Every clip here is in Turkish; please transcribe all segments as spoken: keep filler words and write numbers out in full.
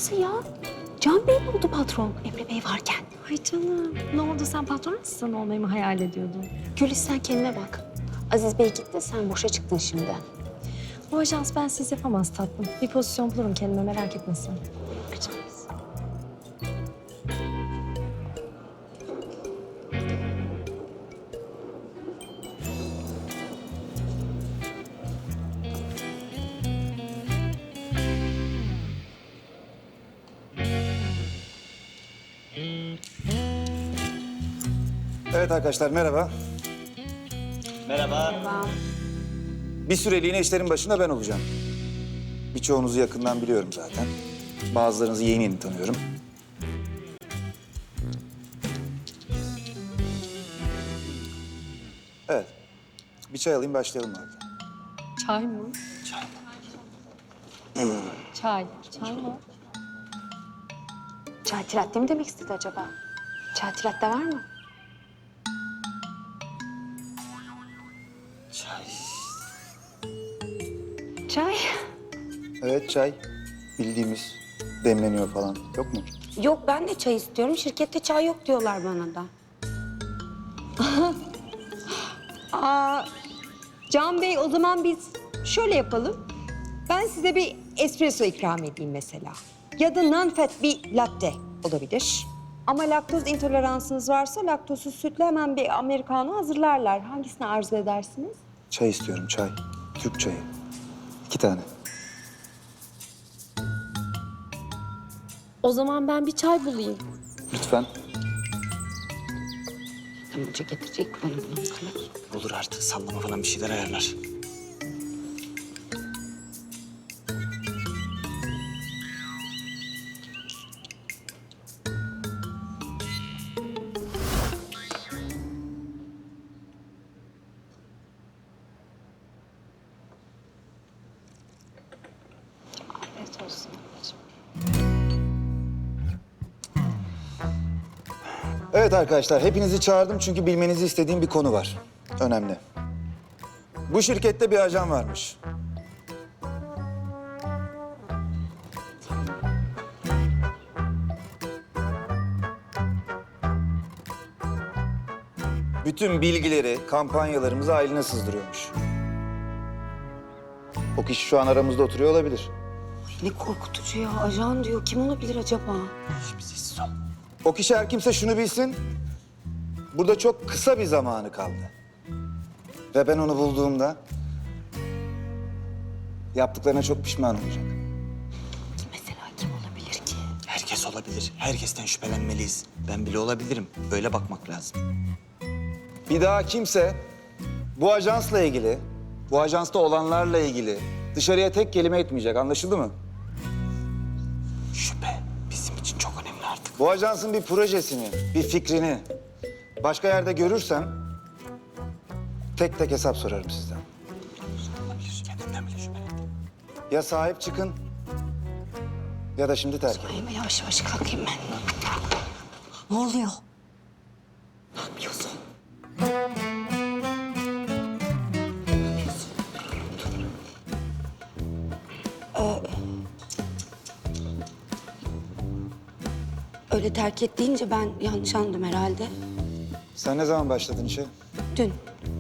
Nasıl ya? Can Bey mi oldu patron Emre Bey varken? Ay canım, ne oldu? Sen patron asistan olmayı mı hayal ediyordun? Gülis sen kendine bak. Aziz Bey gitti, sen boşa çıktın şimdi. O ajans ben siz yapamaz tatlım. Bir pozisyon bulurum kendime, merak etme sen. Bakacağız. Evet arkadaşlar merhaba. Merhaba. Bir süreliğine işlerin başında ben olacağım. Birçoğunuzu yakından biliyorum zaten. Bazılarınızı yeni yeni tanıyorum. Evet. Bir çay alayım başlayalım abi. Çay mı? Çay. Çay. Çay mı? Çay tilatte mi demek istedi acaba? Çay tilatte var mı? Çay. Çay. Evet çay. Bildiğimiz demleniyor falan. Yok mu? Yok ben de çay istiyorum. Şirkette çay yok diyorlar bana da. Aa, Can Bey o zaman biz şöyle yapalım. Ben size bir espresso ikram edeyim mesela. Ya da non-fat bir latte olabilir. Ama laktoz intoleransınız varsa laktozsuz sütle hemen bir americano hazırlarlar. Hangisini arzu edersiniz? Çay istiyorum çay. Türk çayı. İki tane. O zaman ben bir çay bulayım. Lütfen. Tamam hoca getirecek bana bunu. Olur artık sallama falan bir şeyler ayarlar. Afiyet olsun ablacığım. Evet arkadaşlar, hepinizi çağırdım çünkü bilmenizi istediğim bir konu var. Önemli. Bu şirkette bir ajan varmış. Bütün bilgileri, kampanyalarımızı ailine sızdırıyormuş. O kişi şu an aramızda oturuyor olabilir. Ne korkutucu ya. Ajan diyor. Kim olabilir acaba? Şimdi sessiz ol. O kişi her kimse şunu bilsin. Burada çok kısa bir zamanı kaldı. Ve ben onu bulduğumda yaptıklarına çok pişman olacak. Mesela kim olabilir ki? Herkes olabilir. Herkesten şüphelenmeliyiz. Ben bile olabilirim. Böyle bakmak lazım. Bir daha kimse bu ajansla ilgili, bu ajansta olanlarla ilgili dışarıya tek kelime etmeyecek. Anlaşıldı mı? Şüphe bizim için çok önemli artık. Bu ajansın bir projesini, bir fikrini başka yerde görürsem tek tek hesap sorarım sizden. Olabilir. Kendinden bile şüphelendi. Ya sahip çıkın ya da şimdi terk edin. Ay mı yavaş yavaş kalkayım ben. Ne oluyor? Ne yapıyorsun? Ee, öyle terk et deyince ben yanlış anladım herhalde. Sen ne zaman başladın işe? Dün.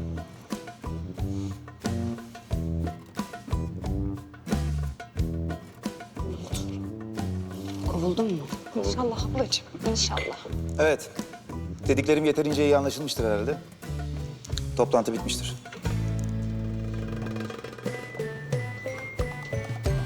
Kovuldun mu? İnşallah ablacığım, inşallah. Evet. Dediklerim yeterince iyi anlaşılmıştır herhalde. Toplantı bitmiştir.